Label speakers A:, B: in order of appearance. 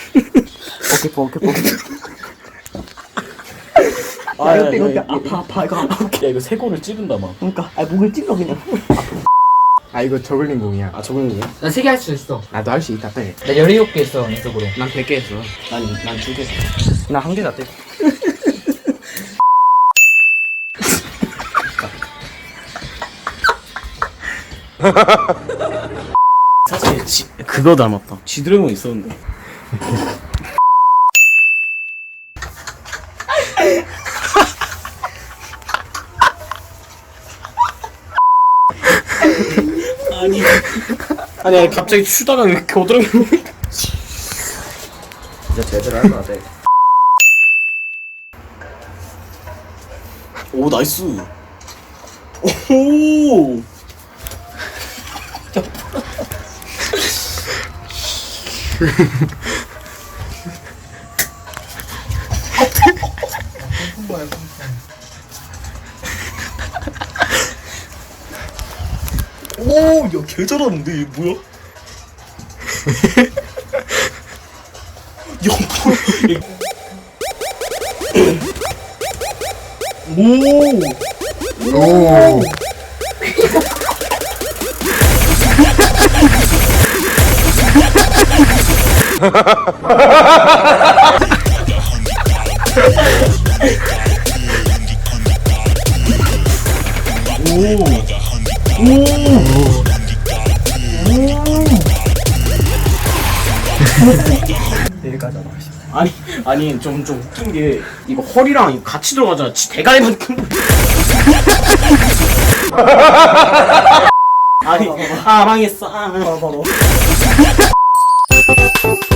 A: 어깨.
B: 야 이거 아파 이거 아파.
A: 야 이거 쇄골을 찌른다 막.
B: 그러니까 목을 찔러 그냥.
C: 아 이거 저글링 공이야.
A: 아 저거는요?
D: 나 3개 할 수 있어.
C: 나도 할 수 있다 빨리.
D: 나 17개 했어 연속으로.
C: 난 100개 했어.
A: 난 2개.
B: 나 한 개 다 떼.
A: 사실 그거 닮았다. 지드래곤 있었는데. 아니 갑자기 추다가 왜 이렇게 오더라고.
B: 진짜 제대로 할 거 같아.
A: 오 나이스. 오. 오, 야, 개 잘하는데, 얘 뭐야? 야, 뭐야? 오!
B: 내일까지 하자.
A: 아니, 좀 웃긴 게, 이거 허리랑 같이 들어가잖아. 지 대가리만큼. 아니, 망했어.
B: 봐봐.